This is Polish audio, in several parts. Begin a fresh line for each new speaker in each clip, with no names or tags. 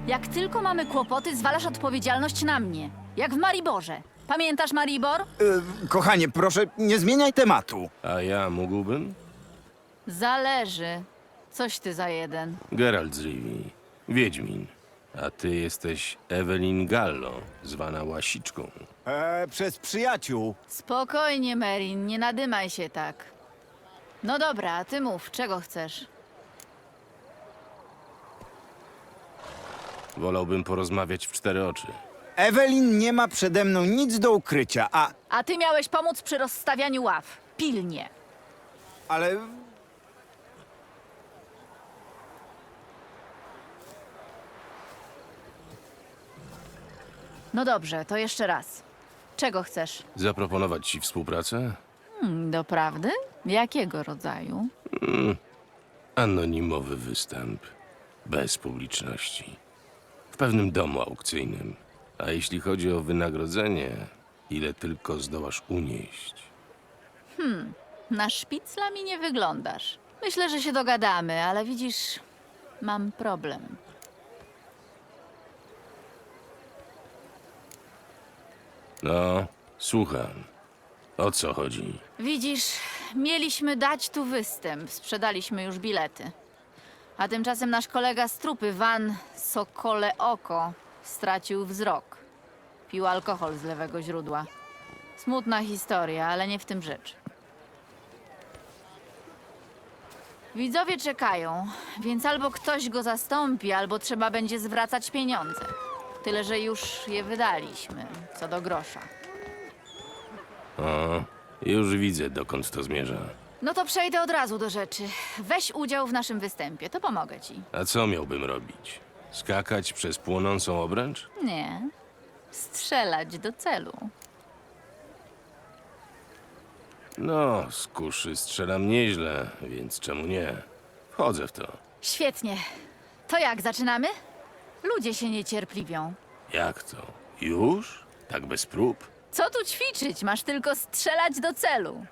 Jak tylko mamy kłopoty, zwalasz odpowiedzialność na mnie. Jak w Mariborze. Pamiętasz Maribor?
Kochanie, proszę, nie zmieniaj tematu.
A ja mógłbym?
Zależy. Coś ty za jeden.
Geralt z Rivii, Wiedźmin. A ty jesteś Evelyn Gallo, zwana Łasiczką.
Przez przyjaciół.
Spokojnie, Merin, nie nadymaj się tak. No dobra, ty mów, czego chcesz?
Wolałbym porozmawiać w cztery oczy.
Ewelin nie ma przede mną nic do ukrycia,
A ty miałeś pomóc przy rozstawianiu ław. Pilnie.
ale...
No dobrze, to jeszcze raz. Czego chcesz?
Zaproponować ci współpracę?
Doprawdy? Jakiego rodzaju?
Anonimowy występ. Bez publiczności. W pewnym domu aukcyjnym. A jeśli chodzi o wynagrodzenie, ile tylko zdołasz unieść.
Na szpicla mi nie wyglądasz. Myślę, że się dogadamy, ale widzisz, mam problem.
No, słucham. O co chodzi?
Widzisz, mieliśmy dać tu występ, sprzedaliśmy już bilety. A tymczasem nasz kolega z trupy, Van Sokole Oko, stracił wzrok. Pił alkohol z lewego źródła. Smutna historia, ale nie w tym rzecz. Widzowie czekają, więc albo ktoś go zastąpi, albo trzeba będzie zwracać pieniądze. Tyle, że już je wydaliśmy, co do grosza.
O, już widzę, dokąd to zmierza.
No to przejdę od razu do rzeczy. Weź udział w naszym występie, to pomogę ci.
A co miałbym robić? Skakać przez płonącą obręcz?
Nie. Strzelać do celu.
No, z kuszy strzelam nieźle, więc czemu nie? Wchodzę w to.
Świetnie. To jak, zaczynamy? Ludzie się niecierpliwią.
Jak to? Już? Tak bez prób?
Co tu ćwiczyć? Masz tylko strzelać do celu.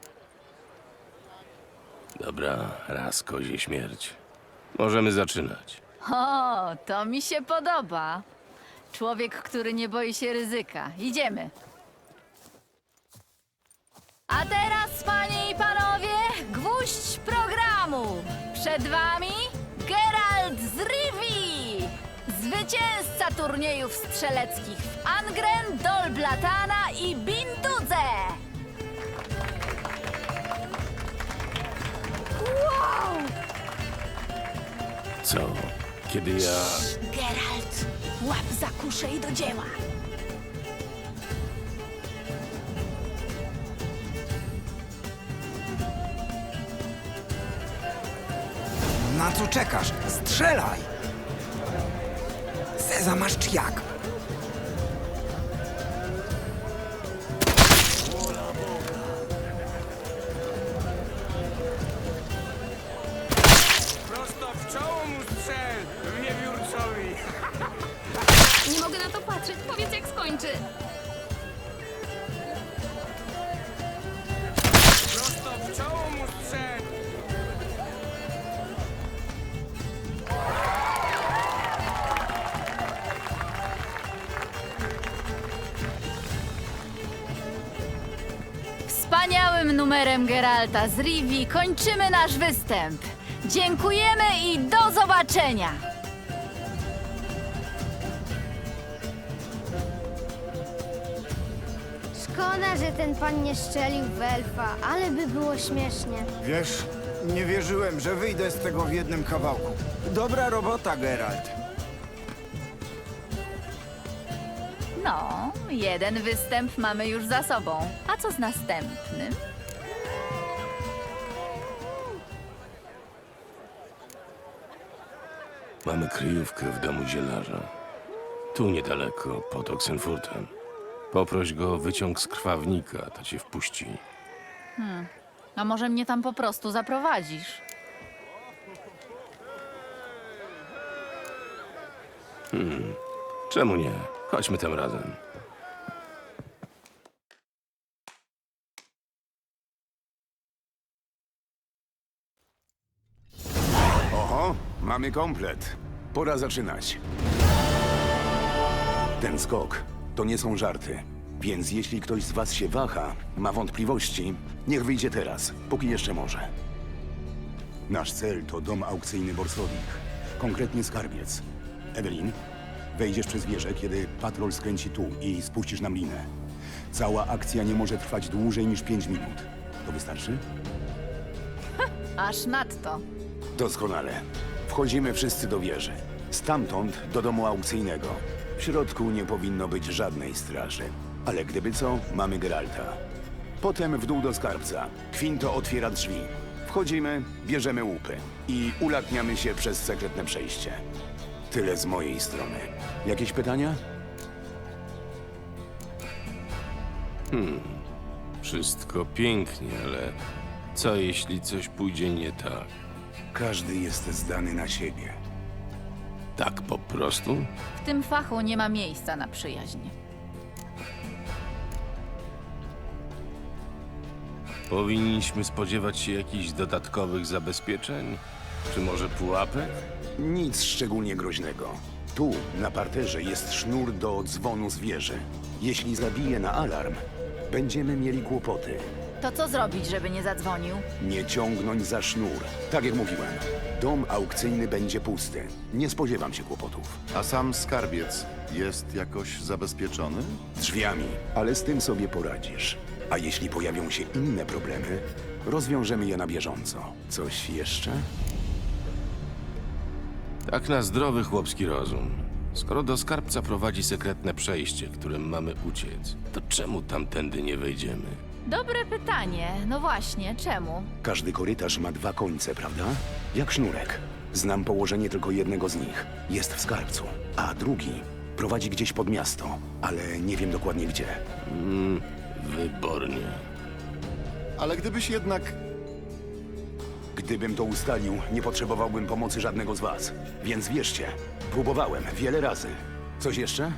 Dobra, raz kozie śmierć. Możemy zaczynać.
O, to mi się podoba. Człowiek, który nie boi się ryzyka. Idziemy. A teraz, panie i panowie, gwóźdź programu. Przed wami Geralt z Rivii, zwycięzca turniejów strzeleckich w Angren, Dol Blatana i Bindudze. Wow!
Co? Kiedy ja...
Geralt, łap za kuszę i do dzieła.
Na co czekasz? Strzelaj! Sezamasz czy jak?
Prosto w czoło mu strzel, wiewiórcowi.
Nie mogę na to patrzeć. Powiedz, jak skończy.
Prosto w czoło mu strzel.
Wspaniałym numerem Geralta z Rivii kończymy nasz występ. Dziękujemy i do zobaczenia!
Szkoda, że ten pan nie strzelił w elfa, ale by było śmiesznie.
Wiesz, nie wierzyłem, że wyjdę z tego w jednym kawałku. Dobra robota, Geralt.
No, jeden występ mamy już za sobą. A co z następnym?
Mamy kryjówkę w domu zielarza. Tu niedaleko, pod Oxenfurtem. Poproś go o wyciąg z krwawnika, to cię wpuści.
A może mnie tam po prostu zaprowadzisz?
Czemu nie? Chodźmy tym razem.
Oho, mamy komplet. Pora zaczynać. Ten skok to nie są żarty. Więc jeśli ktoś z was się waha, ma wątpliwości, niech wyjdzie teraz, póki jeszcze może. Nasz cel to dom aukcyjny Borsowich, konkretnie skarbiec. Ewelin, wejdziesz przez wieżę, kiedy patrol skręci tu i spuścisz nam linę. Cała akcja nie może trwać dłużej niż 5 minut. To wystarczy?
Aż nadto.
Doskonale. Wchodzimy wszyscy do wieży. Stamtąd do domu aukcyjnego. W środku nie powinno być żadnej straży. Ale gdyby co, mamy Geralta. Potem w dół do skarbca. Quinto otwiera drzwi. Wchodzimy, bierzemy łupy i ulatniamy się przez sekretne przejście. Tyle z mojej strony. Jakieś pytania?
Wszystko pięknie, ale co jeśli coś pójdzie nie tak?
Każdy jest zdany na siebie.
Tak po prostu?
W tym fachu nie ma miejsca na przyjaźń.
Powinniśmy spodziewać się jakichś dodatkowych zabezpieczeń? Czy może pułapek?
Nic szczególnie groźnego. Tu, na parterze, jest sznur do dzwonu z wieży. Jeśli zabije na alarm, będziemy mieli kłopoty.
To co zrobić, żeby nie zadzwonił?
Nie ciągnąć za sznur. Tak jak mówiłem, dom aukcyjny będzie pusty. Nie spodziewam się kłopotów.
A sam skarbiec jest jakoś zabezpieczony?
Drzwiami, ale z tym sobie poradzisz. A jeśli pojawią się inne problemy, rozwiążemy je na bieżąco. Coś jeszcze?
Tak na zdrowy chłopski rozum. Skoro do skarbca prowadzi sekretne przejście, którym mamy uciec, to czemu tamtędy nie wejdziemy?
Dobre pytanie. No właśnie, czemu?
Każdy korytarz ma 2 końce, prawda? Jak sznurek. Znam położenie tylko jednego z nich. Jest w skarbcu, a drugi prowadzi gdzieś pod miasto, ale nie wiem dokładnie gdzie.
Wybornie.
Ale gdybyś jednak...
Gdybym to ustalił, nie potrzebowałbym pomocy żadnego z was. Więc wierzcie, próbowałem wiele razy. Coś jeszcze?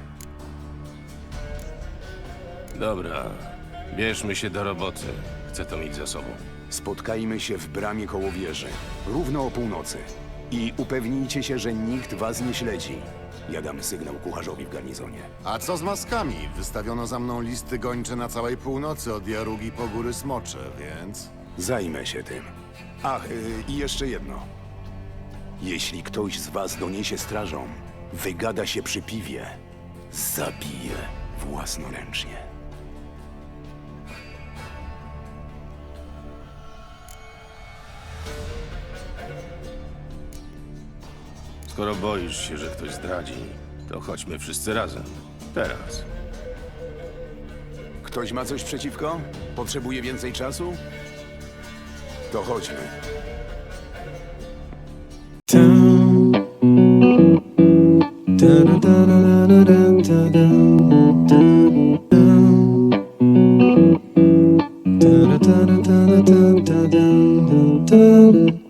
Dobra, bierzmy się do roboty. Chcę to mieć za sobą.
Spotkajmy się w bramie koło wieży, równo o północy. I upewnijcie się, że nikt was nie śledzi. Ja dam sygnał kucharzowi w garnizonie.
A co z maskami? Wystawiono za mną listy gończe na całej północy, od Jarugi po Góry Smocze, więc...
Zajmę się tym. Ach, i jeszcze jedno. Jeśli ktoś z was doniesie strażą, wygada się przy piwie, zabije własnoręcznie.
Skoro boisz się, że ktoś zdradzi, to chodźmy wszyscy razem. Teraz.
Ktoś ma coś przeciwko? Potrzebuje więcej czasu? To chodźmy.
Da da da da da da da da da da.